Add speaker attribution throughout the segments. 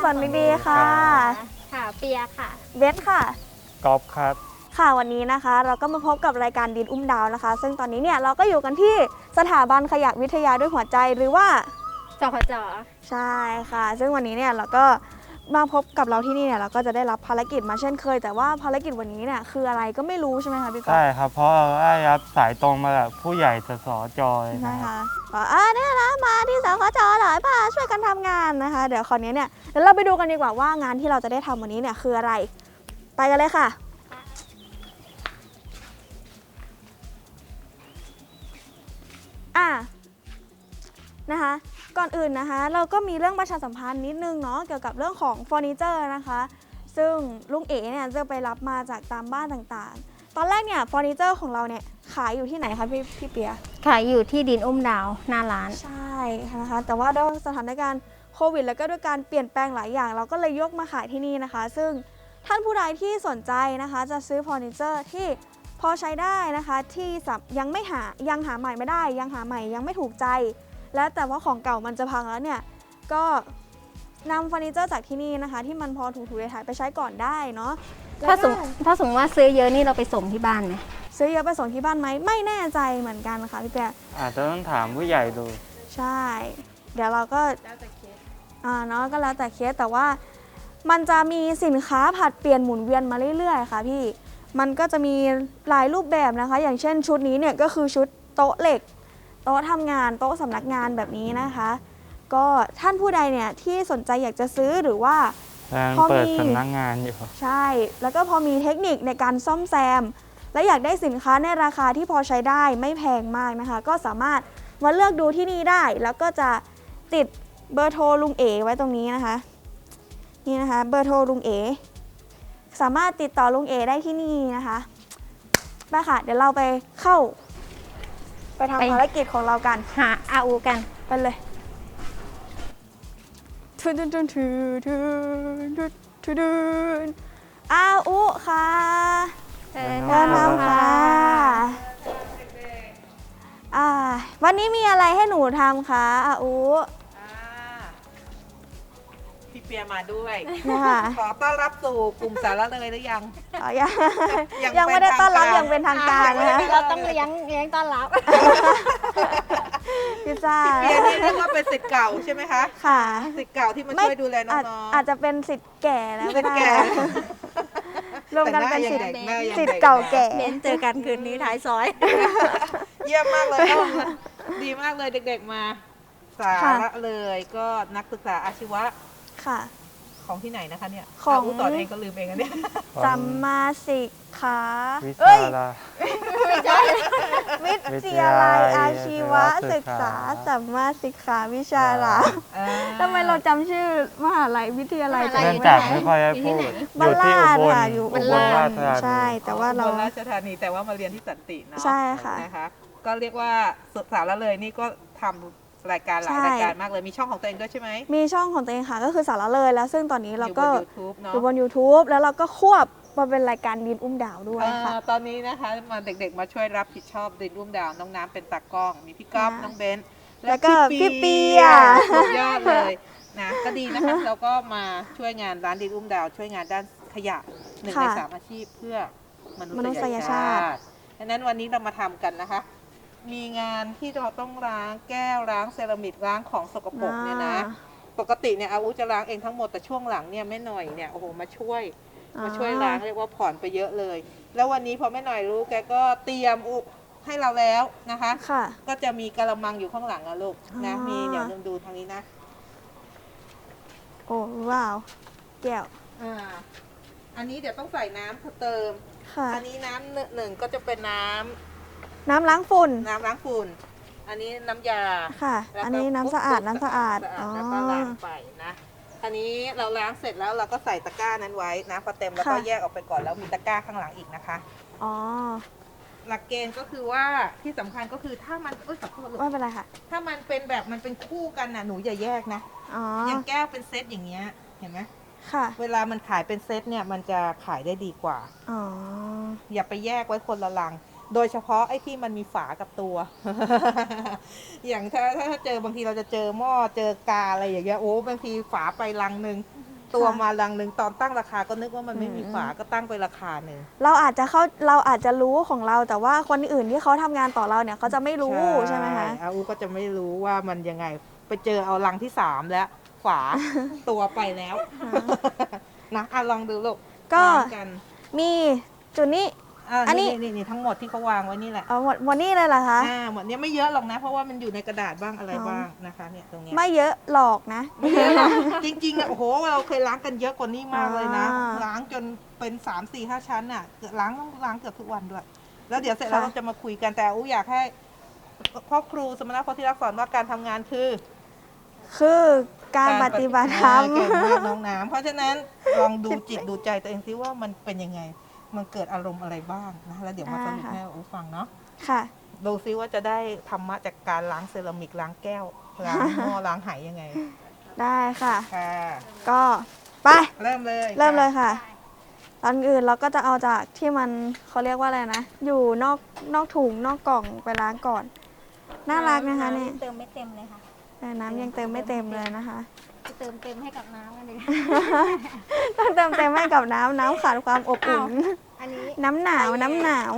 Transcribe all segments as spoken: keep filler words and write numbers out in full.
Speaker 1: อนดีๆค่ะ
Speaker 2: ค่ะเปียค่ะ
Speaker 1: เบสค่ะ
Speaker 3: กอล์ฟครับ
Speaker 1: ค่ะวันนี้นะคะเราก็มาพบกับรายการดินอุ้มดาวนะคะซึ่งตอนนี้เนี่ยเราก็อยู่กันที่สถาบันขยะวิทยาด้วยหัวใจหรือว่า
Speaker 2: จพจ
Speaker 1: ใช่ค่ะซึ่งวันนี้เนี่ยเราก็มาพบกับเราที่นี่เนี่ยเราก็จะได้รับภารกิจมาเช่นเคยแต่ว่าภารกิจวันนี้เนี่ยคืออะไรก็ไม่รู้ใช่ไหมคะพี่ก๊อฟ
Speaker 3: ใช่ครับเพราะเราได้รับสายตรงมาจากผู้ใหญ่สสจอย
Speaker 1: ใช่
Speaker 3: นะครั
Speaker 1: ค่ะ
Speaker 3: บ
Speaker 1: บอกอ่าเนี่ยนะมาที่สคจหลายพาช่วยกันทำงานนะคะเดี๋ยวคราวนี้เนี่ยเดี๋ยวเราไปดูกันดีกว่าว่างานที่เราจะได้ทำวันนี้เนี่ยคืออะไรไปกันเลยค่ะอ่ะนะคะก่อนอื่นนะคะเราก็มีเรื่องประชาสัมพันธ์นิดนึงเนาะเกี่ยวกับเรื่องของเฟอร์นิเจอร์นะคะซึ่งลุงเอ๋เนี่ยจะไปรับมาจากตามบ้านต่างๆตอนแรกเนี่ยเฟอร์นิเจอร์ของเราเนี่ยขายอยู่ที่ไหนคะพี่พี่เปีย
Speaker 2: ขายอยู่ที่ดินอุ้มดาวหน้าร้าน
Speaker 1: ใช่นะคะแต่ว่าด้วยสถานการณ์โควิดแล้วก็ด้วยการเปลี่ยนแปลงหลายอย่างเราก็เลยยกมาขายที่นี่นะคะซึ่งท่านผู้ใดที่สนใจนะคะจะซื้อเฟอร์นิเจอร์ที่พอใช้ได้นะคะที่ยังไม่หายังหาใหม่ไม่ได้ยังหาใหม่ยังไม่ถูกใจและแต่ว่าของเก่ามันจะพังแล้วเนี่ยก็นำเฟอร์นิเจอร์จากที่นี่นะคะที่มันพอถูกๆถ่ายไปใช้ก่อนได้เนาะ
Speaker 2: ถ้าสมถ้าสมมติว่าซื้อเยอะนี่เราไปส่งที่บ้านไหม
Speaker 1: ซื้อเยอะไปส่งที่บ้านไหมไม่แน่ใจเหมือนกันค่ะพี่แปะ
Speaker 3: อาจจะต้องถามผู้ใหญ่ดู
Speaker 1: ใช่เดี๋ยวเราก็แล้วแต่เคสอ่าเนาะก็แล้วแต่เคสแต่ว่ามันจะมีสินค้าผัดเปลี่ยนหมุนเวียนมาเรื่อยๆค่ะพี่มันก็จะมีหลายรูปแบบนะคะอย่างเช่นชุดนี้เนี่ยก็คือชุดโต๊ะเหล็กโต๊ะทำงานโต๊ะสำนักงานแบบนี้นะคะก็ท่านผู้ใดเนี่ยที่สนใจอยากจะซื้อหรือว่า
Speaker 3: พอเปิดสำนักงานอยู่
Speaker 1: ใช่แล้วก็พอมีเทคนิคในการซ่อมแซมและอยากได้สินค้าในราคาที่พอใช้ได้ไม่แพงมากนะคะก็สามารถมาเลือกดูที่นี่ได้แล้วก็จะติดเบอร์โทรลุงเอไว้ตรงนี้นะคะนี่นะคะเบอร์โทรลุงเอสามารถติดต่อลุงเอได้ที่นี่นะคะไปค่ะเดี๋ยวเราไปเข้าไปทำภารกิจของเรากัน
Speaker 2: หาอาอูกัน
Speaker 1: ไปเลยทุนทุนทุนทุนทุนทุนทุนอาอูค่ะ
Speaker 2: เดิน
Speaker 1: นำค่ะอ่าวันนี้มีอะไรให้หนูทำคะอาอู
Speaker 4: พี่เปียมาด้วย
Speaker 1: นะคะ
Speaker 4: ขอต้อนรับสู่กลุ่มสาระเลยหรือยัง
Speaker 1: ยังยังไม่ได้ต้อนรับอย่างเป็นทางการนะคะ
Speaker 2: เราต้องเลี้ยงเลี้ยงต้อนรับ
Speaker 1: พิซซ่า
Speaker 4: พี่เปียนี่เรียกว่าเป็นศิษย์เก่าใช่ไหมคะ
Speaker 1: ค่ะ
Speaker 4: ศิษย์เก่าที่มาช่วยดูแลน้อง
Speaker 1: ๆอาจจะเป็นศิษย์แก่แล้วก็ได้รวมกันเป็นศิษย์ศิษย์
Speaker 4: เก่า
Speaker 1: แก่
Speaker 2: เบนเจอกันคืนนี้ท้ายซอย
Speaker 4: เยี่ยมมากเลยดีมากเลยเด็กๆมาสาระเลยก็นักศึกษาอาชีวะ
Speaker 1: ค่ะ
Speaker 4: ของที่ไหนนะคะเนี่ย
Speaker 1: ของ
Speaker 4: ต่อเองก็ลืมเองอันนี้
Speaker 1: สัมมาสิกขา
Speaker 3: วิทยาลัย
Speaker 1: วิทยาลัยอาชีวศึกษาสัมมาสิกขาวิชาละทำไมเราจำชื่อมหาลัยวิทยาลัย
Speaker 3: เนื่องจากไม่ค่อยได้พูดอยู่ที่อุบล
Speaker 1: อยู่
Speaker 3: อุบลราชธานี
Speaker 1: ใช่แต่ว่าเรา
Speaker 4: ราชธานีแต่ว่ามาเรียนที่สันติเนาะ
Speaker 1: ใช่ค่ะ
Speaker 4: นะคะก็เรียกว่าสาระเลยนี่ก็ทำรายการหลายรายการมากเลยมีช่องของตัวเองด้วยใช่ไหม
Speaker 1: มีช่องของตัวเองค่ะก็คือสาระเลยแล้วซึ่งตอนนี้เราก็
Speaker 4: อยู่
Speaker 1: บน YouTube แล้วเราก็ควบมาเป็นรายการดินอุ้มดาวด้วยค่ะ
Speaker 4: ตอนนี้นะคะมาเด็กๆมาช่วยรับผิดชอบดินอุ้มดาวน้องน้ำเป็นตากล้องมีพี่ก๊อฟน้องเบน
Speaker 1: แล้วก็พี่เปีย
Speaker 4: สุดยอดเลยนะก็ดีนะคะเราก็มาช่วยงานร้านดินอุ้มดาวช่วยงานด้านขยะหนึ่งในสามอาชีพเพื่อมนุษยชาติดังนั้นวันนี้เรามาทำกันนะคะมีงานที่เราต้องล้างแก้วล้างเซรามิกล้างของสกปรกเนี่ยนะปกติเนี่ยอาวุธจะล้างเองทั้งหมดแต่ช่วงหลังเนี่ยแม่หน่อยเนี่ยโอ้โหมาช่วยมาช่วยล้างเรียกว่าผ่อนไปเยอะเลยแล้ววันนี้พอแม่หน่อยรู้แกก็เตรียมอุให้เราแล้วนะคะก็จะมีกระมังอยู่ข้างหลังนะลูกนะมีเดี๋ยวดูทางนี้นะ
Speaker 1: โอ้ว้าวแก้ว
Speaker 4: อ่าอันนี้เดี๋ยวต้องใส่น้ำเติมอันนี้น้ำหนึ่งก็จะเป็นน้ำ
Speaker 1: น้ำล้างฝุ่น
Speaker 4: น้ำล้างฝุ่นอันนี้น้ำยา
Speaker 1: ค่ะอันนี้น้ำสะอาดน้ำสะอาด
Speaker 4: แล้วก็ล้างไปนะอันนี้เราล้างเสร็จแล้วเราก็ใส่ตะกร้านั้นไว้นะพอเต็มแล้วก็แยกออกไปก่อนแล้วมีตะกร้าข้างหลังอีกนะคะ
Speaker 1: อ๋อ
Speaker 4: หลักเกณฑ์ก็คือว่าที่สำคัญก็คือถ้ามันเอ้ยขอโทษลูก
Speaker 1: ไม่เป็นไรค่ะ
Speaker 4: ถ้ามันเป็นแบบมันเป็นคู่กันน่ะหนูอย่าแยกนะ
Speaker 1: อ๋อ
Speaker 4: อย่างแก้วเป็นเซตอย่างเงี้ยเห็นไหม
Speaker 1: ค่ะ
Speaker 4: เวลามันขายเป็นเซตเนี่ยมันจะขายได้ดีกว่า
Speaker 1: อ๋อ
Speaker 4: อย่าไปแยกไว้คนละลังโดยเฉพาะไอ้ที่มันมีฝากับตัว อย่างถ้าถ้าเจอบางทีเราจะเจอหม้อเจอกาอะไรอย่างเงี้ยโอ้บางทีฝาไปลังหนึ่งตัวมาลังหนึ่งตอนตั้งราคาก็นึกว่ามันไม่มีฝาก็ตั้งไปราคาหนึ่ง
Speaker 1: เราอาจจะเข้าเราอาจจะรู้ของเราแต่ว่าคนอื่นที่เขาทำงานต่อเราเนี่ยเขาจะไม่รู้ใช่ไหมคะ
Speaker 4: อาอูก็จะไม่รู้ว่ามันยังไงไปเจอเอาลังที่สามแล้วฝา ตัวไปแล้วนะอ่ะลองดูลูก
Speaker 1: ก็
Speaker 4: วางกัน
Speaker 1: มีจุดนี้
Speaker 4: อ่ะ
Speaker 1: อันนี้
Speaker 4: นี่นี่นี่ทั้งหมดที่เขาวางไว้นี่แหละ
Speaker 1: เอาหมดหมดนี่เลยเหรอคะ
Speaker 4: อ่าหมดเนี้ยไม่เยอะหรอกนะ เพราะว่ามันอยู่ในกระดาษบ้างอะไร
Speaker 1: อ๋อ
Speaker 4: บ้างนะคะเนี่ยตรงเนี้ย
Speaker 1: ไม่เยอะหรอกนะ
Speaker 4: ไม่เยอะหรอกจริงๆอ่ะโอ้โหเราเคยล้างกันเยอะกว่านี้มากเลยนะ
Speaker 1: อ่า
Speaker 4: ล้างจนเป็นสามสี่ห้าชั้นอ่ะเกือบล้างต้องล้างเกือบทุกวันด้วย แล้วเดี๋ยวเสร็จแล้ว
Speaker 1: ค่ะ
Speaker 4: เราจะมาคุยกันแต่อูอยากให้พ่อครูสมณโพธิรักษ์สอนว่าการทำงานคือ
Speaker 1: คือการปฏิบัติธรรม
Speaker 4: เก่งมากน้องน้ำเพราะฉะนั้นลองดูจิตดูใจตัวเองซิว่ามันเป็นยังไง มันเกิดอารมณ์อะไรบ้างนะแล้วเดี๋ยวมาสรุปให้อูฟังเนาะ
Speaker 1: ค่ะ
Speaker 4: ดูซิว่าจะได้ธรรมะจากการล้างเซรามิกล้างแก้วล้างหม้อล้างไหยังไง
Speaker 1: ได้ค่ะ
Speaker 4: ค่ะ
Speaker 1: ก็ไป
Speaker 4: เริ่มเลย
Speaker 1: เริ่มเลย
Speaker 4: ค่ะ
Speaker 1: ค่ะตอนอื่นเราก็จะเอาจากที่มันเขาเรียกว่าอะไรนะ อยู่นอกนอกถุงนอกกล่องไปล้างก่อน น่ารักนะคะเนี่ย
Speaker 2: เติมไม่เต็มเลยค่ะ
Speaker 1: แต่น้ำยังเติมไม่เต็มเลยนะคะ
Speaker 2: จะเติมเต็มให้กับน้ำกันเลย
Speaker 1: ต้องเติมเต็มให้กับน้ำน้ำขาดความอบอุ่น
Speaker 2: อันนี้
Speaker 1: น้ำหนาวน้ำหนาว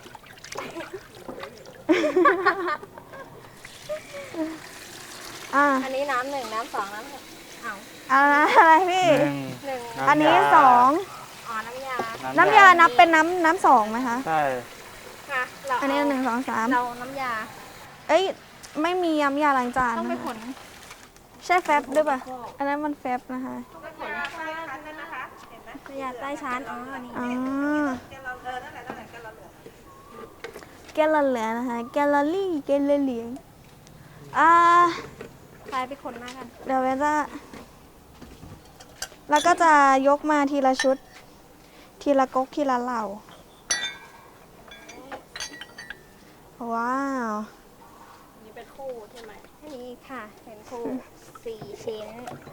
Speaker 1: อ่ะ
Speaker 2: อันนี้น้ำหนึ่งน้ำสองน้ำหนึ่งเอา
Speaker 1: อะไรอะไรพี่
Speaker 3: หนึ่ง
Speaker 2: หนึ่ง
Speaker 3: ำ
Speaker 1: อันนี้
Speaker 3: ยา
Speaker 1: สอง
Speaker 2: อ๋อน้ำยา
Speaker 1: น้ำยานับเป็นน้ำน้ำสองไหมคะ
Speaker 3: ใช่
Speaker 2: ค่ะเรา
Speaker 1: อันนี้หนึ่งสองสาม
Speaker 2: เราน้ำยา
Speaker 1: เอ้ยไม่มีน้ำยาล้างจาน
Speaker 2: ต้องไป
Speaker 1: นะ
Speaker 2: ข
Speaker 1: คะ
Speaker 2: น
Speaker 1: ใช่แฟบด้วยป่ะอันนั้นมันแฟบนะคะ
Speaker 2: น้ำยาใต้ชั้นอ๋ออันนี้
Speaker 1: อ๋อ
Speaker 4: แกเราเออนั่นแหละนั่นแหละแกเราเหลือ
Speaker 1: แกลเหลือนะคะแกลลี่แกลเหลียงอ่า
Speaker 2: ไปไปขนมากัน
Speaker 1: เดี๋ยวเวจะแล้วก็จะยกมาทีละชุด ทีละก๊กทีละเหล่า ว้าว
Speaker 2: นี่เป็นคู่ใช่ไหมอันนี้ค่ะเป็นคู่สี่ชิ้น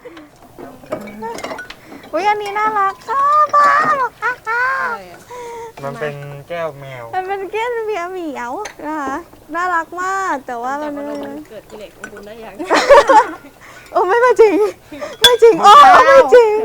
Speaker 1: อุ้ยอันนี้น่ารักค่ะป้าบอกค่ะค่ะ
Speaker 4: อะไรอ่ะ
Speaker 3: มันเป็นแก้วแมว
Speaker 1: มันเป็นเกี้ยนเบียร์เหมียวนะคะน่ารักมากแต่ว่ามัน
Speaker 2: เกิดกิเลสของคุณได้ยัง
Speaker 1: โอ้ไม่มาจริง ไม่จริงโอ้ไม่จริง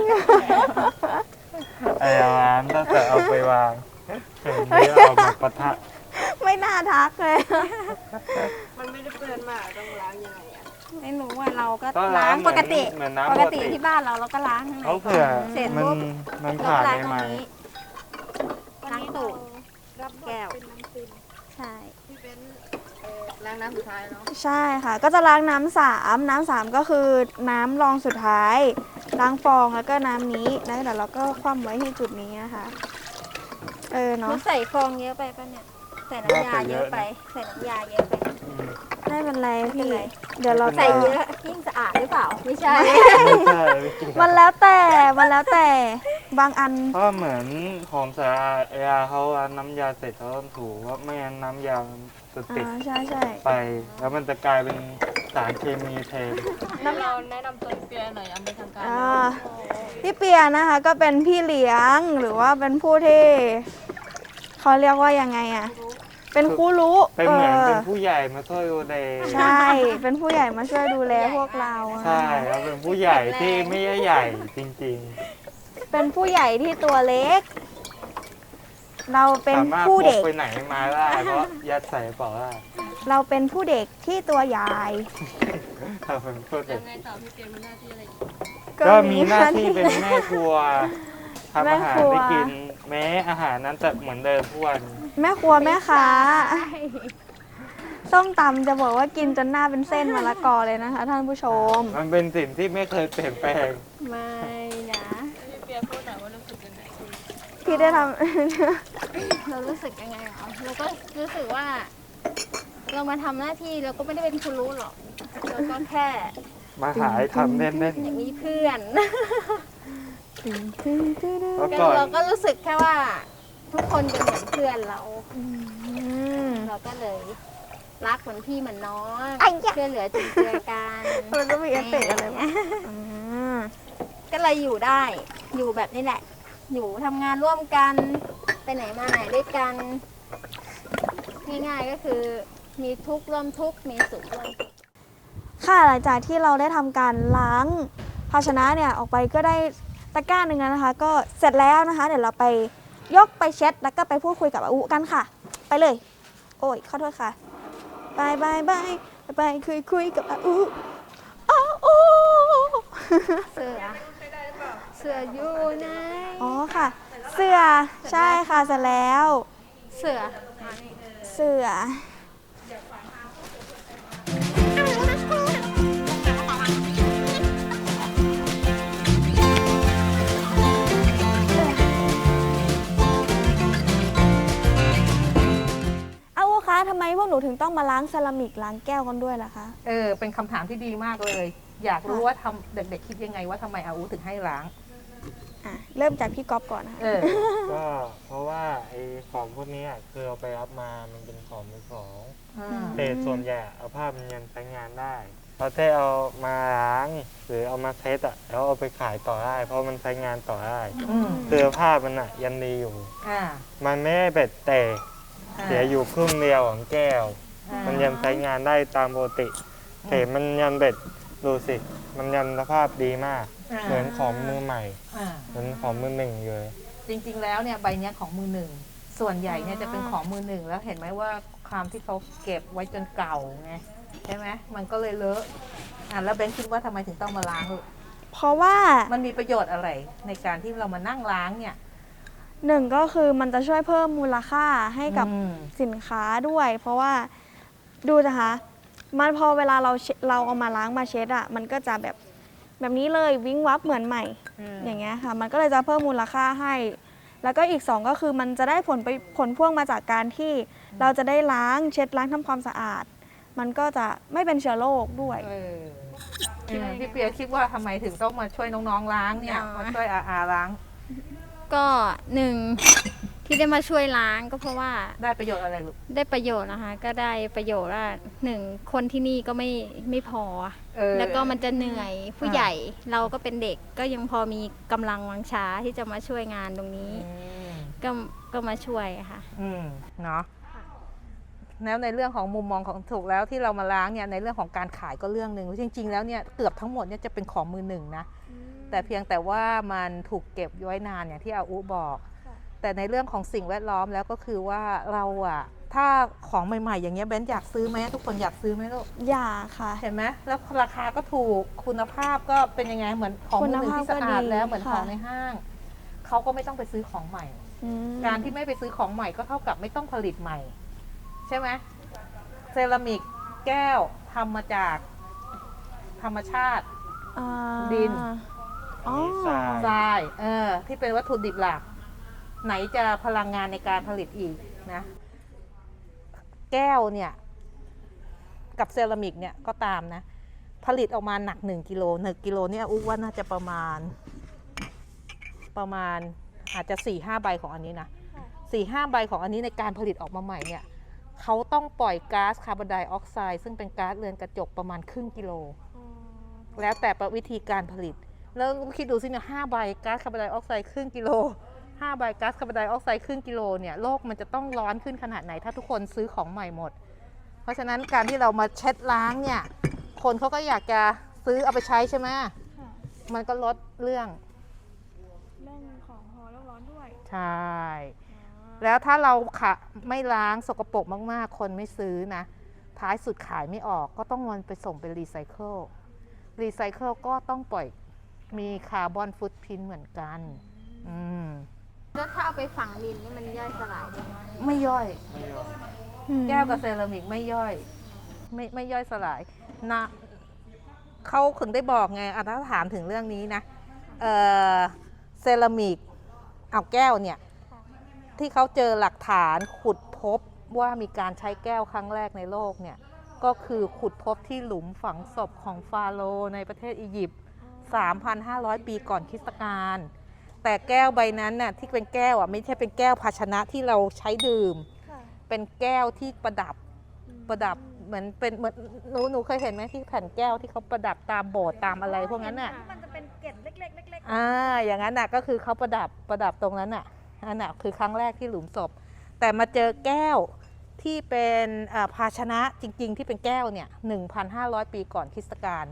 Speaker 3: ไอ้ร้านตั้งแต่เอาไปวางเห็นที่เอามาปะทะ
Speaker 1: ไม่น่าทักเลย
Speaker 2: มันไม่ได้เปื้อนมากต้องล้างยังไงอ่ะไม่รู้ว่าเราก็
Speaker 3: ก็
Speaker 2: ล้า
Speaker 3: ล้าง ง
Speaker 2: ปกติ
Speaker 3: เหมือน
Speaker 2: ป
Speaker 3: น้ำ
Speaker 2: ก
Speaker 3: ปก
Speaker 2: ติ
Speaker 3: ติ
Speaker 2: ที่บ้านเราเราก็ล้างข้างใน
Speaker 3: เขาเผื่อ
Speaker 2: เสร็จ
Speaker 3: มัน
Speaker 2: ปุ๊บ
Speaker 3: มัน
Speaker 2: เรา
Speaker 3: ขาด
Speaker 2: ล้าง
Speaker 3: ใน
Speaker 2: ตร
Speaker 3: ไหม
Speaker 2: งนี้ล้างตูดแก้วใช่
Speaker 5: ล้างน้ำสุดท้ายเนาะ
Speaker 1: ใช่ค่ะ ก็จะล้างน้ำสามน้ำสามก็คือน้ำรองสุดท้าย ล้างฟองแล้วก็น้ำนี้แล้วเดี๋ยวเราก็คว่ำไว้ที่จุดนี้นะคะ เออ
Speaker 2: มั
Speaker 1: เนาะ
Speaker 2: นใส่ฟองเยอะไปปะเนี่ยใส่น้ำยาเยอะไปใส่น้ำยาเยอะไป
Speaker 3: อืม
Speaker 1: ไม่เป็นไร
Speaker 2: ไม่เป็น
Speaker 1: พี่
Speaker 2: ไร
Speaker 1: เดี๋ยวเรา
Speaker 2: ใส่
Speaker 1: จะ
Speaker 2: เยอะยิ่งสะอาดหรือเปล่าไม่ใช่
Speaker 3: ไม่ใช่ไม่จริง
Speaker 1: มันแล้วแต่ มันแล้วแต่ บางอัน
Speaker 3: เพราะเหมือนของสะอาดเวลาเขาเอาน้ำยาเสร็จเขาต้องถูว่าไม่งั้นน้ำยามันจะติด
Speaker 1: อ่า ใช่ใช่
Speaker 3: ไป แล้วมันจะกลายเป็นสารเคมีแทน
Speaker 5: เราแนะนำตัวเปียหน่อยเอาไปทางการ
Speaker 1: อ่าพี่เปียนะคะก็เป็นพี่เลี้ยงหรือว่าเป็นผู้ที่เขาเรียกว่ายังไงอะเป็นครูรู้
Speaker 3: เป็นเหมือน
Speaker 1: ออ
Speaker 3: เป็นผู้ใหญ่มาช่วยดูแล
Speaker 1: ใช่ เป็นผู้ใหญ่มาช่วยดูแลพวกเราอะ
Speaker 3: ใช่แล้วเป็นผู้ใหญ่ที่ไม่ใช่ใหญ่จริง
Speaker 1: เป็นผู้ใหญ่ที่ตัวเล็ก เรา
Speaker 3: ๆ
Speaker 1: เป็น
Speaker 3: สามารถพ
Speaker 1: ผู้
Speaker 3: ก
Speaker 1: เด็ก
Speaker 3: ไปไหนมาได้เพราะยัดใส่กระเป๋าได้
Speaker 1: เราเป็นผู้เด็กที่ตัวใหญ่
Speaker 3: เราเป็นผู้เด็
Speaker 5: ยั
Speaker 3: ก
Speaker 5: งไงต่อพี่เปียมีหน้าที่อะไรอีก
Speaker 3: ก็มีหน้าที่เป็นแม่ครัวทำอาหาร
Speaker 1: แม่ครัว
Speaker 3: ให้กิน แม้อาหารนั้นจะเหมือนเดิมทุกวัน
Speaker 1: แม่ครัวแม่ค้าส้มตำจะบอกว่ากินจนหน้าเป็นเส้นมะละกอเลยนะคะ ท่านผู้ชม
Speaker 3: มันเป็นสิ่งที่ไม่เคยเปลี่ยนแปลง
Speaker 2: ไม่นะ
Speaker 5: พี่เปียพูดหน่อยว่ารู้สึกยังไง
Speaker 1: พี่ได้ท
Speaker 2: เรารู้สึกยังไงเหรอเราก็รู้สึกว่า เรามาทำหน้าที่เราก็ไม่ได้เป็นครูรู้หรอกเราก็แค่
Speaker 3: มาหายทำเล่น
Speaker 2: อยากมีเพื่อน
Speaker 3: ๆแล้ว
Speaker 2: ก็
Speaker 3: ก่อน
Speaker 2: เราก็รู้สึกแค่ว่า ทุกคนเป็นเหมือนเพื่อนเรา
Speaker 1: ำอืม
Speaker 2: เราก็เลย รักเหมือนพี่เหมือนน้อง
Speaker 1: ไอ้ยะ
Speaker 2: ช่วยเหลือจุนเจือกัน
Speaker 1: มันก็มีเอฟเฟกต์อะไรบ้างอืม
Speaker 2: ก็เลยอยู่ได้ อยู่แบบนี้แหละ อยู่ทำงานร่วมกัน ไปไหนมาไหนด้วยกัน ง่ายๆก็คือ มีทุกข์ร่วมทุกข์มีสุขร่วมสุข
Speaker 1: ค่ะหลังจากที่เราได้ทำการล้างภาชนะเนี่ยออกไปก็ได้ตะกร้าหนึ่งแล้วนะคะ ก็เสร็จแล้วนะคะ เดี๋ยวเราไปยกไปเช็ดแล้วก็ไปพูดคุยกับอาอุกันค่ะ ไปเลย โอ้ยขอโทษค่ะบายบายบายบายคุยคุยกับอาอุอาอุ
Speaker 2: เสือ เสืออยู่ไหน
Speaker 1: อ๋อค่ะ เสือใช่ค่ะเสร็จแล้ว
Speaker 2: เสือ
Speaker 1: เสืออาวุคะทำไมพวกหนูถึงต้องมาล้างเซรามิกล้างแก้วกันด้วยล่ะคะ
Speaker 4: เออเป็นคำถามที่ดีมากเลย อยากรู้ว่าทำเด็กๆคิดยังไงว่าทำไมอาอูถึงให้ล้าง
Speaker 1: อ่ะเริ่มจากพี่ก๊อฟก่อนนะคะ
Speaker 4: เออ
Speaker 3: ก็เพราะว่าไอ้ของพวกเนี้ยคือเอาไปรับมามันเป็นของมือสอง
Speaker 4: อ่า
Speaker 3: แต่ส่วนใหญ่เอาผ้ามันยังใช้งานได้พอได้เอามาล้างหรือเอามาเซ็ตอ่ะแล้วเอาไปขายต่อได้ เพราะมันใช้งานต่อได้
Speaker 4: อืม
Speaker 3: เสื้อผ้ามันอ่ะยังดีอยู่
Speaker 4: อ่า
Speaker 3: มันไม่ได้เบ็ดแต่เสียอยู่ครึ่งเดียวของแก้ว
Speaker 4: อ่า
Speaker 3: มันยังใช้งานได้ตามปกติแต่มันยังเบ็ดดูสิ มันยังสภาพดีมาก
Speaker 4: อ่า
Speaker 3: เหมือนของมือใหม่
Speaker 4: อ่า
Speaker 3: เหมือนของมือหนึ่งเลย
Speaker 4: จริงๆแล้วเนี่ยใบเนี้ยของมือหนึ่งส่วนใหญ่เนี่ยจะเป็นของมือหนึ่งแล้วเห็นไหมว่าความที่เขาเก็บไว้จนเก่าไงใช่ไหมมันก็เลยเลอะอ่ะแล้วเบนคิดว่าทำไมถึงต้องมาล้างลูก
Speaker 1: เพราะว่า
Speaker 4: มันมีประโยชน์อะไรในการที่เรามานั่งล้างเนี่ย
Speaker 1: หนึ่งก็คือมันจะช่วยเพิ่มมูลค่าให้กับ
Speaker 4: อืม
Speaker 1: สินค้าด้วย เพราะว่าดูนะคะมันพอเวลาเราเช็ดเราเอามาล้างมาเช็ดอ่ะมันก็จะแบบแบบนี้เลยวิ้งวับเหมือนใหม่ อย่างเงี้ยค่ะ มันก็เลยจะเพิ่มมูลค่าให้ แล้วก็อีกสองก็คือมันจะได้ผลไปผลพ่วงมาจากการที่เราจะได้ล้างเช็ดล้างทำความสะอาด มันก็จะไม่เป็นเชื้อโรคด้วย
Speaker 4: เออเออพี่เปียคิดว่าทำไมถึงต้องมาช่วยน้องๆล้างเนี่ย
Speaker 2: อ๋อ
Speaker 4: มาช่วยอาอาล้าง
Speaker 2: ก็หนึ่งที่ได้มาช่วยล้างก็เพราะว่า
Speaker 4: ได้ประโยชน์อะไรลูก
Speaker 2: ได้ประโยชน์นะคะ ก็ได้ประโยชน์ว่าหนึ่งคนที่นี่ก็ไม่ไม่พอ
Speaker 4: เออ
Speaker 2: แล้วก็มันจะเหนื่อยผู้ใหญ่เราก็เป็นเด็กก็ยังพอมีกำลังวังชาที่จะมาช่วยงานตรงนี้
Speaker 4: อืม
Speaker 2: ก็ก็มาช่วยค่ะ
Speaker 4: อืมเนาะแล้วในเรื่องของมุมมองของถูกแล้วที่เรามาล้างเนี่ยในเรื่องของการขายก็เรื่องหนึ่งจริง ๆ แล้วเนี่ยเกือบทั้งหมดเนี่ยจะเป็นของมือหนึ่งนะแต่เพียงแต่ว่ามันถูกเก็บไว้นานอย่างที่อาอุบอก แต่ในเรื่องของสิ่งแวดล้อมแล้วก็คือว่าเราอะถ้าของใหม่ๆ อย่างเงี้ยเบนอยากซื้อไหมทุกคนอยากซื้อไหมลูก
Speaker 1: อย่าค่ะ
Speaker 4: เห็นไหมแล้วราคาก็ถูกคุณภาพก็เป็นยังไงเหมือนของมือหนึ่งที่สะอาดแล้วเหมือนของในห้างเขาก็ไม่ต้องไปซื้อของใหม่
Speaker 1: อืม
Speaker 4: การที่ไม่ไปซื้อของใหม่ก็เท่ากับไม่ต้องผลิตใหม่ ใช่ไหมเซรามิกแก้วทำมาจากธรรมชาติ
Speaker 1: อ่า
Speaker 4: ดิน
Speaker 1: อ๋อ
Speaker 3: มีทราย
Speaker 4: ทรายเออที่เป็นวัตถุดิบหลัก ไหนจะพลังงานในการผลิตอีกนะ แก้วเนี่ย กับเซรามิกเนี่ยก็ตามนะ ผลิตออกมาหนักหนึ่งกิโลหนึ่งกิโลเนี่ยอุ๊ว่าน่าจะประมาณ ประมาณอาจจะสี่ห้าใบของอันนี้นะสี่ห้าใบของอันนี้ในการผลิตออกมาใหม่เนี่ยเขาต้องปล่อยก๊าซคาร์บอนไดออกไซด์ซึ่งเป็นก๊าซเรือนกระจกประมาณครึ่งกิโล แล้วแต่วิธีการผลิต แล้วคิดดูสิเนี่ยห้าใบก๊าซคาร์บอนไดออกไซด์ครึ่งกิโลห้าใบก๊าซคาร์บอนไดออกไซด์ครึ่งกิโลเนี่ยโลกมันจะต้องร้อนขึ้นขนาดไหนถ้าทุกคนซื้อของใหม่หมด เพราะฉะนั้นการที่เรามาเช็ดล้างเนี่ยคนเขาก็อยากจะซื้อเอาไปใช้ใช่ไหมมันก็ลดเรื่อง
Speaker 1: เรื่องของพอโลกร้อนด้วย
Speaker 4: ใช่ แล้วถ้าเราขะไม่ล้างสกปรกมากๆ คนไม่ซื้อนะ ท้ายสุดขายไม่ออกก็ต้องมันไปส่งเป็นรีไซเคิล รีไซเคิลก็ต้องปล่อยมีคาร์บอนฟุตพิ้นเหมือนกัน อืม
Speaker 2: แล้วถ้าเอาไปฝังดินนี่มันย่อยสลายได้ไหม
Speaker 4: ไม่ย่อย
Speaker 3: ไม่ยอม
Speaker 4: แก้วกับเซรามิกไม่ย่อย ไม่ไม่ย่อยสลายนะเขาถึงได้บอกไงอ่ะถ้าถามถึงเรื่องนี้นะเอ่อเซรามิกเอาแก้วเนี่ย ที่เขาเจอหลักฐานขุดพบว่ามีการใช้แก้วครั้งแรกในโลกเนี่ย ก็คือขุดพบที่หลุมฝังศพของฟาโรห์ในประเทศอียิปต์ สามพันห้าร้อย ปีก่อนคริสตกาลแต่แก้วใบนั้นน่ะที่เป็นแก้วอ่ะไม่ใช่เป็นแก้วภาชนะที่เราใช้ดื่ม เป็นแก้วที่ประดับประดับเหมือนเป็นเหมือนหนูหนูเคยเห็นไหมที่แผ่นแก้วที่เขาประดับตามโบสถ์ตามอะไรพวกนั้นน่ะ
Speaker 1: มันจะเป็นเกล็ดเล็กๆเล็ก
Speaker 4: อ่าอย่างนั้นน่ะก็คือเขาประดับประดับตรงนั้นน่ะอันน่ะคือครั้งแรกที่หลุมศพ แต่มาเจอแก้วที่เป็นอ่าภาชนะจริง ๆ ที่เป็นแก้วเนี่ย หนึ่งพันห้าร้อย ปีก่อนคริสตกาล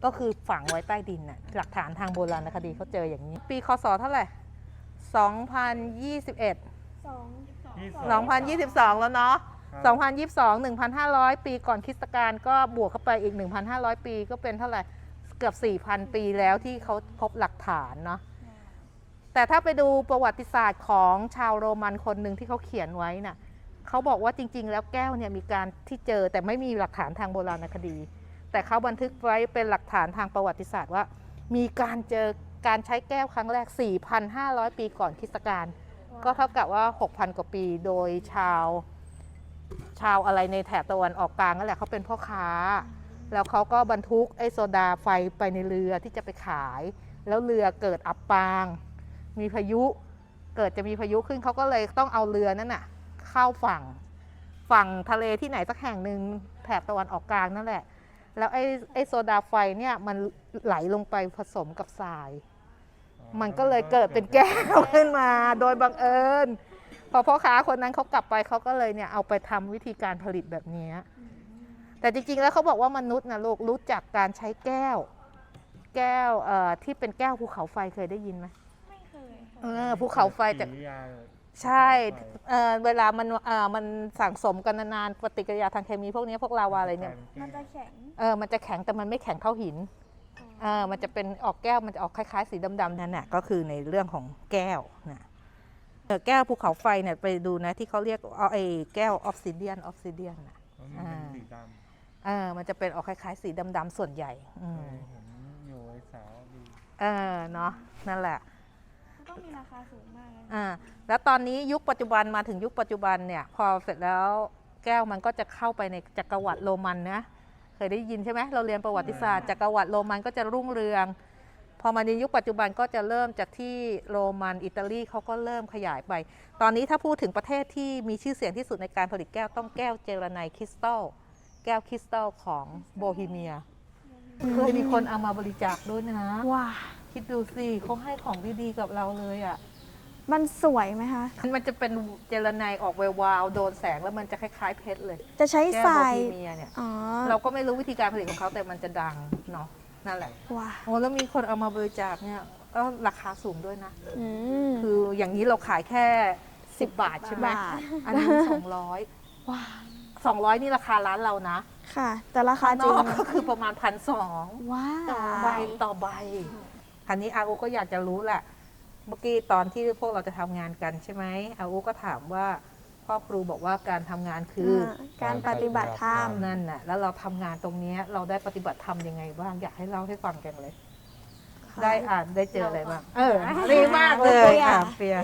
Speaker 4: ก็คือฝังไว้ใต้ดินน่ะหลักฐานทางโบราณคดีเขาเจออย่างนี้ ปีคศเท่าไหร่สองพันยี่สิบเอ็ด
Speaker 1: สอง
Speaker 4: สองพันยี่สิบสองแล้วเนาะสองพันยี่สิบสอง หนึ่งพันห้าร้อย ปีก่อนคริสตกาลก็บวกเข้าไปอีก หนึ่งพันห้าร้อย ปีก็เป็นเท่าไหร่เกือบ สี่พัน ปีแล้วที่เขาพบหลักฐานเนาะแต่ถ้าไปดูประวัติศาสตร์ของชาวโรมันคนหนึ่งที่เขาเขียนไว้น่ะเขาบอกว่าจริงๆแล้วแก้วเนี่ยมีการที่เจอแต่ไม่มีหลักฐานทางโบราณคดี แต่เขาบันทึกไว้เป็นหลักฐานทางประวัติศาสตร์ว่ามีการเจอการใช้แก้วครั้งแรก สี่พันห้าร้อย ปีก่อนคริสตกาลก็เท่ากับว่า หกพัน กว่าปีโดยชาวชาวอะไรในแถบตะวันออกกลางนั่นแหละเขาเป็นพ่อค้าแล้วเขาก็บรรทุกไอ้โซดาไฟไปในเรือที่จะไปขายแล้วเรือเกิดอับปางมีพายุเกิดจะมีพายุขึ้นเขาก็เลยต้องเอาเรือนั้นน่ะเข้าฝั่งฝั่งทะเลที่ไหนสักแห่งหนึ่งแถบตะวันออกกลางนั่นแหละแล้วไอ้ไอ้โซดาไฟเนี่ยมันไหลลงไปผสมกับทรายมันก็เลยเกิดเป็นแก้วขึ้นมาโดยบังเอิญพอพ่อค้าคนนั้นเขากลับไปเขาก็เลยเนี่ยเอาไปทำวิธีการผลิตแบบนี้แต่จริงๆแล้วเขาบอกว่ามนุษย์นะลูกรู้จักการใช้แก้วแก้วเอ่อที่เป็นแก้วภูเขาไฟเคยได้ยินไหมไม่เคยเออภูเขาไฟจากใช่เอ่อเวลามันเอ่อมันสั่งสมกันนานๆปฏิกิริยาทางเคมีพวกนี้พวกลาวาอะไรเนี่ย
Speaker 1: มันจะแข็ง
Speaker 4: เออมันจะแข็งแต่มันไม่แข็งเท่าหินเออมันจะเป็นออกแก้วมันจะออกคล้ายๆสีดำๆนั่นแหละก็คือในเรื่องของแก้วนะเออแก้วภูเขาไฟเนี่ยไปดูนะที่เขาเรียกเอาไอ้แก้วออฟซิเดียนออฟซิเดียนนะอ่าเออมันจะเป็นออกคล้ายๆสีดำๆส่วนใหญ่อืม
Speaker 3: เห็นอยู่ไอ้สาวดี
Speaker 4: เออเนาะนั่นแหละ
Speaker 1: มันต้องมีราคาสูงมากเลย
Speaker 4: อ่าแล้วตอนนี้ยุคปัจจุบันมาถึงยุคปัจจุบันเนี่ยพอเสร็จแล้วแก้วมันก็จะเข้าไปในจักรวรรดิโรมันนะเคยได้ยินใช่ไหมเราเรียนประวัติศาสตร์จักรวรรดิโรมันก็จะรุ่งเรืองพอมาในยุคปัจจุบันก็จะเริ่มจากที่โรมันอิตาลีเขาก็เริ่มขยายไปตอนนี้ถ้าพูดถึงประเทศที่มีชื่อเสียงที่สุดในการผลิตแก้วต้องแก้วเจรไนคริสตัลแก้วคริสตัลของโบฮีเมียเคยมีคนเอามาบริจาคด้วยนะ
Speaker 1: ว้า
Speaker 4: คิดดูสิเขาให้ของดีๆกับเราเลยอ่ะ
Speaker 1: มันสวยไหมคะ
Speaker 4: มันจะเป็นเจลไนออกแวววาวโดนแสงแล้วมันจะคล้ายๆเพชรเลย
Speaker 1: จะใช้
Speaker 4: แก้ว
Speaker 1: ท
Speaker 4: โบ
Speaker 1: ราย
Speaker 4: ฮีเมียเนี่ย
Speaker 1: อ๋อ
Speaker 4: เราก็ไม่รู้วิธีการผลิตของเขาแต่มันจะดังเนาะนั่นแหละ
Speaker 1: ว้า
Speaker 4: โอ้แล้วมีคนเอามาบริจาคเนี่ยก็ราคาสูงด้วยนะ
Speaker 1: อืม
Speaker 4: คืออย่างนี้เราขายแค่สิบบาทใช่ไหม
Speaker 1: บาท
Speaker 4: อันนี้สองร้อย
Speaker 1: ว้า
Speaker 4: สองร้อยนี่ราคาร้านเรานะ
Speaker 1: ค่ะ แต่ราคาจริง
Speaker 4: นอกก็คือประมาณพันสอง
Speaker 1: ว้า
Speaker 4: ต่อใบต่อใบอันนี้อาอูก็อยากจะรู้แหละเมื่อกี้ตอนที่พวกเราจะทำงานกันใช่ไหมอาอูก็ถามว่าพ่อครูบอกว่าการทำงานคืออ
Speaker 1: การปฏิบัติธรรม
Speaker 4: นั่นน่ะแล้วเราทำงานตรงนี้เราได้ปฏิบัติธรรมยังไงบ้างอยากให้เล่าให้ฟังกันเลย ได้อ่านได้เจออะไรบ้างเออดีมากเลย
Speaker 1: เปีย
Speaker 4: อ่ะเปีย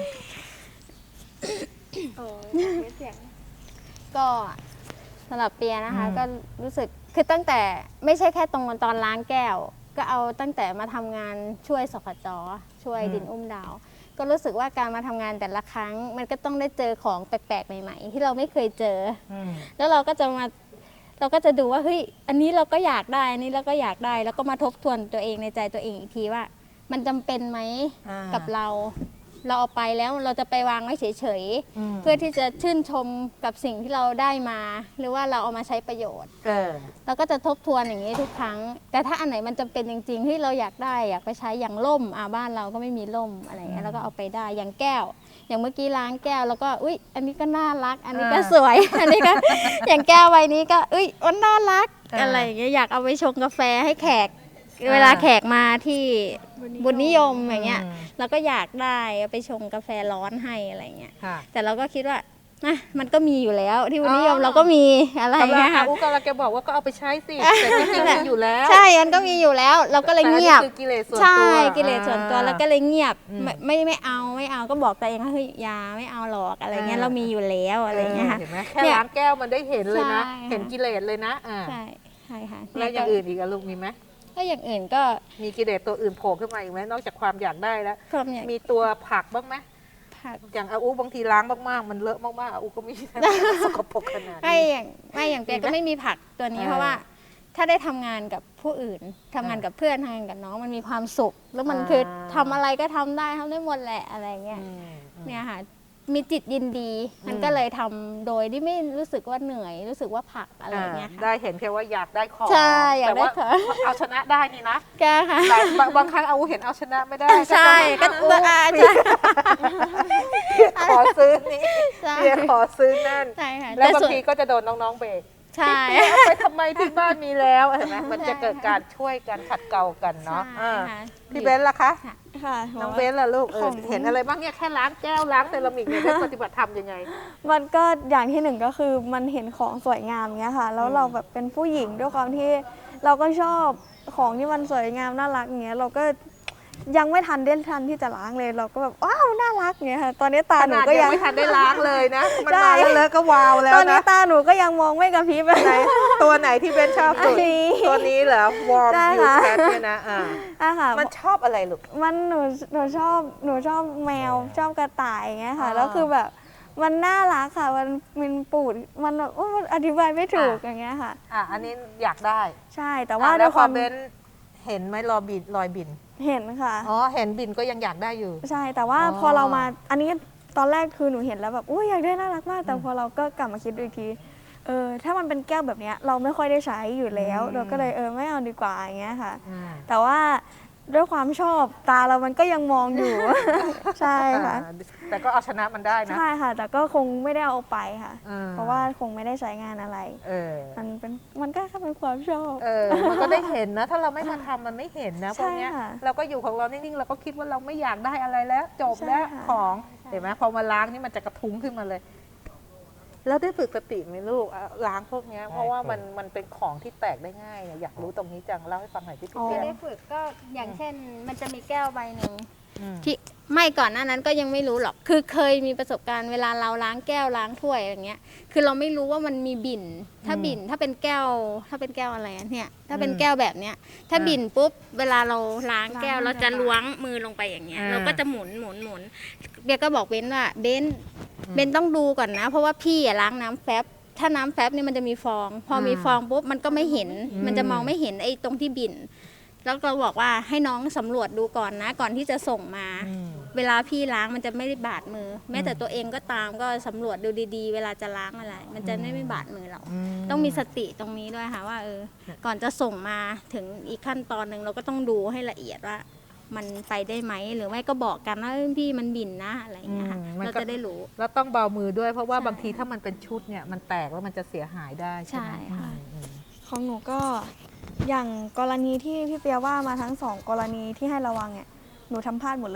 Speaker 2: ก็สำหรับเปียนะคะ
Speaker 4: อืม
Speaker 2: ก็รู้สึกคือตั้งแต่ไม่ใช่แค่ตรงตอนล้างแก้ว ก็เอาตั้งแต่มาทำงานช่วยสขจช่วยดินอุ้มดาว ก็รู้สึกว่าการมาทำงานแต่ละครั้ง มันก็ต้องได้เจอของแปลกๆใหม่ ๆ ที่เราไม่เคยเจอ
Speaker 4: อืม
Speaker 2: แล้วเราก็จะมาเราก็จะดูว่าเฮ้ยอันนี้เราก็อยากได้อันนี้เราก็อยากได้ แล้วก็มาทบทวนตัวเองในใจตัวเองอีกทีว่า มันจำเป็นไหม
Speaker 4: อ่า
Speaker 2: กับเรา เราเอาไปแล้วเราจะไปวางไว้เฉย
Speaker 4: ม
Speaker 2: ๆเพื่อที่จะชื่นชมกับสิ่งที่เราได้มา หรือว่าเราเอามาใช้ประโยชน์
Speaker 4: เออ
Speaker 2: เราก็จะทบทวนอย่างนี้ทุกครั้ง แต่ถ้าอันไหนมันจำเป็นจริงๆที่เราอยากได้อยากไปใช้อย่างล่มอ่าบ้านเราก็ไม่มีล่มอะไรอย่างเงี้ยแล้วก็เอาไปได้อย่างแก้ว อย่างเมื่อกี้ล้างแก้วแล้วก็อุ้ยอันนี้ก็น่ารัก อันนี้ก็สวย อันนี้ก็ อย่างแก้วใบนี้ก็อุ้ยมันน่ารัก
Speaker 4: อ่า
Speaker 2: อะไรอย่างเงี้ยอยากเอาไปชงกาแฟให้แขก เวลาแขกมาที่บุญนิยมอย่างเงี้ย
Speaker 4: อืม
Speaker 2: เราก็อยากได้เอาไปชงกาแฟร้อนให้อะไรเงี้ย
Speaker 4: ค่ะ
Speaker 2: แต่เราก็คิดว่านะมันก็มีอยู่แล้วที่บุญนิยม
Speaker 4: อ๋อ
Speaker 2: เราก็มีอะไร
Speaker 4: กำลัง
Speaker 2: เงี้ย
Speaker 4: อา
Speaker 2: ค่ะ
Speaker 4: อูกำลังจะบอกว่าก็เอาไปใช้สิแต่จริงๆมีอยู่แล้ว
Speaker 2: ใช่มันก็มีอยู่แล้ว เราก็เลยเงียบ
Speaker 4: แต่อันนี้คือกิเลสส่วน
Speaker 2: ใช่
Speaker 4: ตัว
Speaker 2: กิเลสส่วนตัว
Speaker 4: อ่า
Speaker 2: แล้วก็เลยเงียบ
Speaker 4: อืม
Speaker 2: ไม่ไม่ไม่เอาไม่เอาก็บอกตัวเองว่าเฮ้ยอยาไม่เอาหรอกอะไรเงี้ย
Speaker 4: อ่า
Speaker 2: เรามีอยู่แล้วอะไรเงี้ยค่ะ
Speaker 4: เห็นไหมแค่
Speaker 2: เนี่ย
Speaker 4: ล้างแก้วมันได้เห็นเลยนะ
Speaker 2: ใช่ค่ะ
Speaker 4: เห็นกิเลสเลยนะอ่า
Speaker 2: ใช่ใช่ค่ะ
Speaker 4: แล้วอย่างอื่นอีกอะลูกมีไหม
Speaker 2: ก็อย่างอื่นก็
Speaker 4: มีกิเลสตัวอื่นโผล่ขึ้นมาอีกไหมนอกจากความอยากได้แล้ว
Speaker 2: ความอยาก
Speaker 4: มีตัวผักบ้างไหม
Speaker 2: ผัก
Speaker 4: อย่างอาอูบางทีล้างมากๆ มันเลอะมากๆอาอูก็มี สกปรกขนาด
Speaker 2: ไม่
Speaker 4: นี้
Speaker 2: อย่างไม่อย่างเปีย
Speaker 4: มีไหม
Speaker 2: ก็ไม่มีผักตัวนี้
Speaker 4: เออ
Speaker 2: เพราะว่า ถ้าได้ทำงานกับผู้อื่นทำงานกับเพื่อนทำงานกับน้องมันมีความสุข แล้วมัน
Speaker 4: อ่า
Speaker 2: คือทำอะไรก็ทำได้ทำได้หมดแหละอะไรเงี้ย
Speaker 4: อืมอืม
Speaker 2: เนี่ยค่ะมีจิตยินดี มันก็เลยทำโดยที่ไม่รู้สึกว่าเหนื่อยรู้สึกว่าผลักอะไรอย่างเงี้ยค่ะ
Speaker 4: ได้เห็นแค่ว่าอยากได้ของ
Speaker 2: ใช่อยากได้
Speaker 4: แต่ว่า
Speaker 2: ของ
Speaker 4: เอาชนะได้นี่นะ
Speaker 2: แกค่ะ
Speaker 4: แต่บางบางครั้งเอาเห็นเอาชนะไม่ได้
Speaker 2: ใช่ก็
Speaker 4: ก็จะ
Speaker 2: อ่า
Speaker 4: เพี
Speaker 2: ใช่
Speaker 4: ยขอซื้อนี่
Speaker 2: ใช่
Speaker 4: เพียขอซื้อนั่น
Speaker 2: ใช่ค่ะ
Speaker 4: แล้ว
Speaker 2: ต่
Speaker 4: บาง
Speaker 2: ส่น
Speaker 4: ทีก็จะโดนน้องๆเบรก
Speaker 2: ใช่
Speaker 4: เอาไปทำไมที่บ้านมีแล้วเห็นไหมมันจะเกิดการช่วยกันขัดเกลากันเนาะ
Speaker 2: ใช่
Speaker 4: อ่า
Speaker 2: ค่ะ
Speaker 4: พี่เบนซ์ล่ะคะ
Speaker 1: ค่ะ
Speaker 4: น้องเบนซ์ล่ะลูกเออ
Speaker 1: ของ
Speaker 4: เห็นอะไรบ้างเนี่ยแค่ล้างแก้วล้างเซรามิกเนี่ยได้ปฏิบัติธรรมยังไง
Speaker 1: มันก็อย่างที่หนึ่งก็คือมันเห็นของสวยงามเงี้ยค่ะ แล้ว
Speaker 4: อืม
Speaker 1: เราแบบเป็นผู้หญิงด้วยความที่เราก็ชอบของที่มันสวยงามน่ารักเงี้ยเราก็ยังไม่ทันได้ทันที่จะล้างเลย เราก็แบบว้าวน่ารักเงี้ยค่ะ ตอนนี้ตา
Speaker 4: ข
Speaker 1: หนู
Speaker 4: นาด
Speaker 1: ก็
Speaker 4: ยั
Speaker 1: ยัง ง
Speaker 4: ไม่ทันได้ล้างเลยนะ มัน
Speaker 1: ใช่
Speaker 4: มาแล้วเลอะก็วาวแล้ว
Speaker 1: ตอนนี้
Speaker 4: นะ
Speaker 1: ตาหนูก็ยังมองไม่กระพริบเลย
Speaker 4: ไหนตัวไหนที่เบนชอบสุด
Speaker 1: อันนี้
Speaker 4: ตัวนี้เหรอวอร์ม
Speaker 1: ใช่
Speaker 4: ยู
Speaker 1: ค่ะ
Speaker 4: แคทเนี่ยนะอ่า
Speaker 1: อ่ะค่ะ
Speaker 4: มันชอบอะไรลูก
Speaker 1: มันหนูหนูชอบหนูชอบแมวชอบกระต่ายอย่างเงี้ยค่ะ
Speaker 4: อ๋อ
Speaker 1: แล้วคือแบบมันน่ารักค่ะ มันมันปูดมันแบบโอ้มันอธิบายไม่ถูกอย่างเงี้ยค่ะ
Speaker 4: อ่ะอันนี้อยากได้
Speaker 1: ใช่แต่ว่า
Speaker 4: อ่ะ
Speaker 1: ด้
Speaker 4: แล้ว วย พ
Speaker 1: ค
Speaker 4: อ
Speaker 1: วาม
Speaker 4: เบนเห็นไหมรอยบินรอยบิน
Speaker 1: เห็นค่ะ
Speaker 4: อ๋อเห็นบินก็ยังอยากได้อยู่
Speaker 1: ใช่แต่ว่า
Speaker 4: อ๋อ
Speaker 1: พอเรามาอันนี้ตอนแรกคือหนูเห็นแล้วแบบอุ้ยอยากได้น่ารักมาก แต่
Speaker 4: อืม
Speaker 1: พอเราก็กลับมาคิดดูอีกทีเออถ้ามันเป็นแก้วแบบเนี้ยเราไม่ค่อยได้ใช้อยู่แล้ว
Speaker 4: อืม
Speaker 1: เราก็เลยเออไม่เอาดีกว่าอย่างเงี้ยค่ะ
Speaker 4: อืม
Speaker 1: แต่ว่าด้วยความชอบตาเรามันก็ยังมองอยู่ ใช่ค่ะ
Speaker 4: อ่าแต่ก็เอาชนะมันได้นะ
Speaker 1: ใช่ค่ะ แต่ก็คงไม่ได้เอาไปค่ะ
Speaker 4: อืม
Speaker 1: เพราะว่าคงไม่ได้ใช้งานอะไร
Speaker 4: เออ
Speaker 1: มันเป็นมันก็แค่เป็นความชอบ
Speaker 4: เออ มันก็ได้เห็นนะ ถ้าเราไม่มาทำมันไม่เห็นนะพ
Speaker 1: ใช่
Speaker 4: วกเนี้ย
Speaker 1: ค่ะ
Speaker 4: เราก็อยู่ของเรานิ่งๆ เราก็คิดว่าเราไม่อยากได้อะไรแล้ว จบแล้ว
Speaker 1: ใช่ค่ะ
Speaker 4: ของ เห็นไหมพอมาล้างนี่มันจะกระทุ้งขึ้นมาเลย แล้วได้ฝึกสติไหมลูกอ่ะล้างพวกเนี้ยเพราะว่ามันมันเป็นของที่แตกได้ง่ายเนี่ยอยากรู้ตรงนี้จังเล่าให้ฟังหน่อยที่พี่
Speaker 1: อ๋อ
Speaker 4: เปีย
Speaker 2: ได้ฝึกก็อย่างเช่น มันจะมีแก้วใบหนึ่ง
Speaker 4: อืม
Speaker 2: ที่ไม่ก่อนหน้านั้นก็ยังไม่รู้หรอก คือเคยมีประสบการณ์เวลาเราล้างแก้วล้างถ้วยอย่างเงี้ย คือเราไม่รู้ว่ามันมีบิ่น ถ้าบิ่นถ้าเป็นแก้ว ถ้าเป็นแก้วอะไรอะเนี่ย ถ้าเป็นแก้วแบบเนี้ย ถ้าบิ่นปุ๊บ เวลาเราล้างแก้วเราจะล้วงมือลงไปอย่างเงี้ย เราก็จะหมุนหมุนหมุนเบียร์ก็บอกเบนว่าเบนเบนต้องดูก่อนนะ เพราะว่าพี่อะล้างน้ำแฟบ ถ้าน้ำแฟบเนี่ยมันจะมีฟอง พอมีฟองปุ๊บมันก็ไม่เห็น มันจะมองไม่เห็นไอ้ตรงที่บิ่น แล้วเราบอกว่าให้น้องสำรวจดูก่อนนะ ก่อนที่จะส่งมา
Speaker 4: อืม
Speaker 2: เวลาพี่ล้างมันจะไม่ได้บาดมือ แม้แต่ตัวเองก็ตามก็สำรวจดูดีๆ เวลาจะล้างอะไร มันจะไม่ไม่บาดมือเรา ต้องมีสติตรงนี้ด้วยค่ะว่าเออ ก่อนจะส่งมาถึงอีกขั้นตอนหนึ่งเราก็ต้องดูให้ละเอียดว่า มันไปได้ไหมหรือไม่ก็บอกกันว่าเอ้ยพี่มันบิ่นนะอะไรอย่างเงี้ยค่ะ
Speaker 4: อืมมันก็
Speaker 2: เราจะได้รู้
Speaker 4: แล้วต้องเบามือด้วยเพราะว่า
Speaker 2: ใช่
Speaker 4: บางทีถ้ามันเป็นชุดเนี่ยมันแตกแล้วมันจะเสียหายได้ใช่ไหม
Speaker 2: ใช่ค่ะ
Speaker 4: อืม
Speaker 1: ของหนูก็อย่างกรณีที่พี่เปียว่ามาทั้งสองกรณีที่ให้ระวังเนี่ยหนูทำพลาดหมดเลย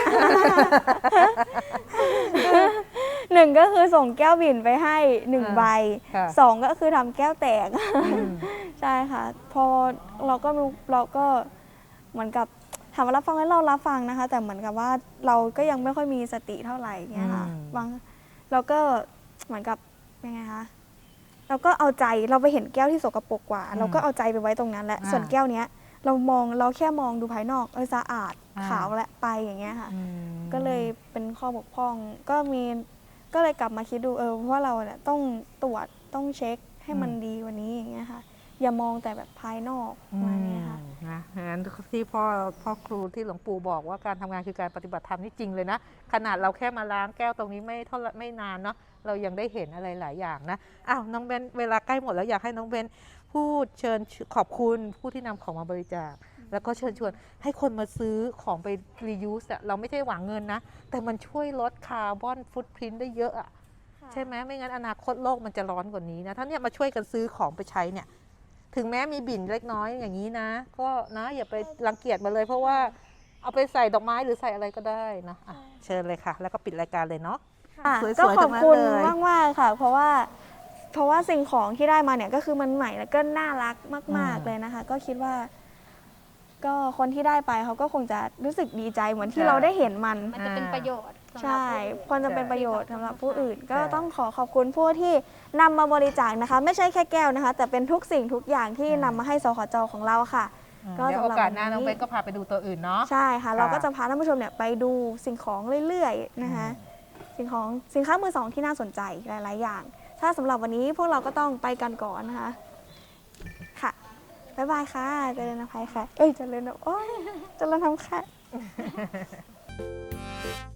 Speaker 1: หนึ่งก็คือส่งแก้วบิ่นไปให้หนึ่ง
Speaker 4: อ่า
Speaker 1: ใบ
Speaker 4: ค่ะ
Speaker 1: สองก็คือทำแก้วแตก
Speaker 4: อืม
Speaker 1: ใช่ค่ะ พอเราก็รู้เราก็เหมือนกับถามว่ารับฟังไหมเรารับฟังนะคะ แต่เหมือนกับว่าเราก็ยังไม่ค่อยมีสติเท่าไหร่เงี้ยค่ะ
Speaker 4: อืม
Speaker 1: บางเราก็เหมือนกับยังไงคะเราก็เอาใจเราไปเห็นแก้วที่สกปรกกว่า เราก็เอาใจไปไว้ตรงนั้นแหละ
Speaker 4: อ่า
Speaker 1: ส่วนแก้วเนี้ย เรามองเราแค่มองดูภายนอกเออสะอาด
Speaker 4: อ่า
Speaker 1: ขาวและไปอย่างเงี้ยค่ะ
Speaker 4: อืม
Speaker 1: ก็เลยเป็นข้อบกพร่อง ก็มีก็เลยกลับมาคิดดูเออว่าเราเนี่ยต้องตรวจต้องเช็คให้มันดีกว่านี้อย่างเงี้ยค่ะ อย่ามองแต่แบบภายนอกประมาณเนี้ยค่ะ
Speaker 4: อืมนะงั้นที่พ่อพ่อครูที่หลวงปู่บอกว่าการทำงานคือการปฏิบัติธรรมนี่จริงเลยนะ ขนาดเราแค่มาล้างแก้วตรงนี้ไม่เท่าไหร่ไม่นานเนาะเรายังได้เห็นอะไรหลายอย่างนะอ้าวน้องเบนเวลาใกล้หมดแล้วอยากให้น้องเบนพูดเชิญขอบคุณผู้ที่นำของมาบริจาคแล้วก็เชิญชวนให้คนมาซื้อของไปรียูสอะเราไม่ใช่หวังเงินนะ แต่มันช่วยลดคาร์บอนฟุตพริ้นท์ได้เยอะอะใช่ไหมไม่งั้นอนาคตโลกมันจะร้อนกว่านี้นะถ้าเนี่ยมาช่วยกันซื้อของไปใช้เนี่ย ถึงแม้มีบิ่นเล็กน้อยอย่างนี้นะ ก็นะอย่าไปรังเกียจมาเลย เพราะว่าเอาไปใส่ดอกไม้หรือใส่อะไรก็ได้นะอ่ะเชิญเลยค่ะ แล้วก็ปิดรายการเลยเนาะ
Speaker 1: ค่ะ
Speaker 4: สวยๆ
Speaker 1: ก็ขอบคุณ
Speaker 4: ทั้งนั้นเลย
Speaker 1: มากมากๆค่ะ เพราะว่าเพราะว่าสิ่งของที่ได้มาเนี่ยก็คือมันใหม่แล้วก็น่ารักมาก ๆเลยนะคะ ก็คิดว่า ก็คนที่ได้ไปเขาก็คงจะรู้สึกดีใจเหมือนที่เราได้เห็นมัน
Speaker 2: มันจะเป็นประโยชน์สำหรับ
Speaker 1: ใช่
Speaker 2: ผู้อื่น
Speaker 1: ควรจะเป็นประโยชน์สำหรับผู้อื่น ก็
Speaker 4: ใช่
Speaker 1: ต้องขอขอบคุณผู้ที่นำมาบริจาคนะคะ ไม่ใช่แค่แก้วนะคะ แต่เป็นทุกสิ่งทุกอย่างที่นำมาให้สขจของเราค่ะ ก็
Speaker 4: เดี๋ยว
Speaker 1: สำ
Speaker 4: โอ
Speaker 1: หรับ
Speaker 4: กาส
Speaker 1: วัน
Speaker 4: หน้าน้อง
Speaker 1: นี้
Speaker 4: เบนก็พาไปดูตัวอื่นเนาะ
Speaker 1: ใช่ค่ะ
Speaker 4: ค่ะ
Speaker 1: เราก็จะพาท่านผู้ชมเนี่ยไปดูสิ่งของเรื่อยๆนะคะ สิ่งของสินค้ามือสองที่น่าสนใจหลายๆอย่าง ถ้าสำหรับวันนี้พวกเราก็ต้องไปกันก่อนนะคะ ค่ะ บ๊ายบายค่ะเจริญอภัยค่ะ เอ้ยเจริญโอ้ยเจริญทำค่ะ